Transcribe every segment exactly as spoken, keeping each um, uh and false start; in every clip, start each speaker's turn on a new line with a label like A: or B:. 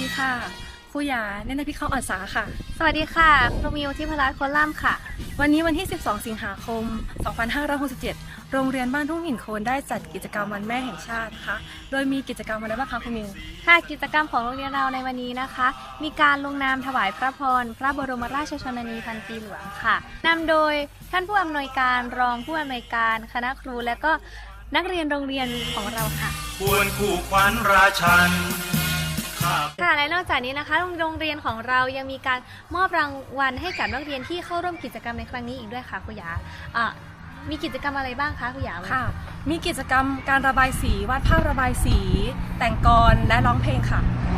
A: ดีค่ะครูหยาเนตรพิเข้าอัศาค่ะ
B: สวัสดีค่ะครูมิวทิพรัตน์โคล่ำค่ะ
A: วันนี้วันที่สิบสองสิงหาคมสองพันห้าร้อยหกสิบเจ็ดโรงเรียนบ้านทุ่งหินโคนได้จัดกิจกรรมวันแม่แห่งชาตินะคะโดยมีกิจกรรมอะไรบ้างคะครูมิว
B: ค่ะกิจกรรมของโรงเรียนเราในวันนี้นะคะ มีการลงนามถวายพระพรพระบรมราชชนนีพันปีหลวงค่ะนำโดยท่านผู้อำนวยการรองผู้อำนวยการคณะครูและก็นักเรียนโรงเรียนของเราค่ะ
C: ควรคู่ขวัญราชัน
B: ค่ะและนอกจากนี้นะคะโรงเรียนของเรายังมีการมอบรางวัลให้กับนักเรียนที่เข้าร่วมกิจกรรมในครั้งนี้อีกด้วยค่ะครูหยาอ่ะมีกิจกรรมอะไรบ้างคะครูหยา
A: ค่ะมีกิจกรรมการระบายสีวาดภาพระบายสี แต่งกลและร้องเพลงค่ะ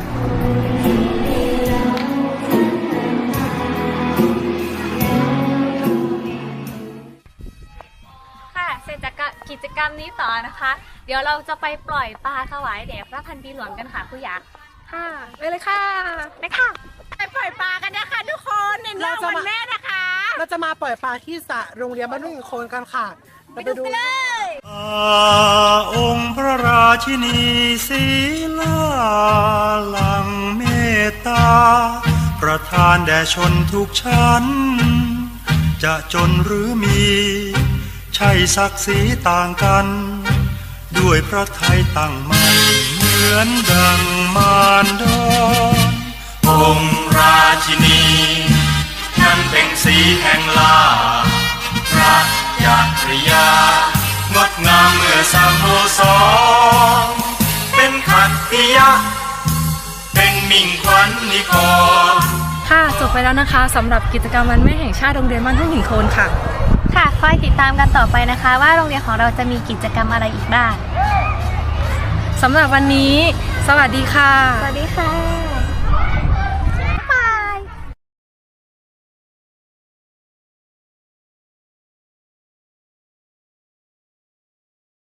B: ค่ะเสร็จจากกิจกรรมนี้ต่อนะคะเดี๋ยวเราจะไปปล่อยปลาถวายแด่พระพันปีหลวงกันค่ะครูหยา
A: ค่ะไปเลยค่ะ
B: ไปค่ะ
D: ไปปล่อยปลากันนะคะทุกคนในรอบวันแม่นะคะ
E: เราจะมาปล่อยปลาที่สระโรงเรียนบ้านทุ่งหินโคนกันค่ะ
D: ไปดูกันเลย
C: องค์พระราชินีศีลาลังเมตตาประทานแด่ชนทุกชั้นจะจนหรือมีใช่ศักดิ์ศรีต่างกันด้วยพระทัยตั้งมั่นเหมือนดังมารดอนองค์ราชินีนั้นเป็นสีแห่งลาพระจักรยางดงามเมื่อสามโมสองเป็นขัตติยะเป็นมิ่งขวัญนิกร
A: ค่ะจบไปแล้วนะคะสำหรับกิจกรรมวันแม่แห่งชาติโรงเรียนบ้านทุ่งหินโคนค่ะ
B: ค่ะคอยติดตามกันต่อไปนะคะว่าโรงเรียนของเราจะมีกิจกรรมอะไรอีกบ้าง
A: สำหรับวันนี้สวัสดีค่ะ
B: สวัสดีค่ะ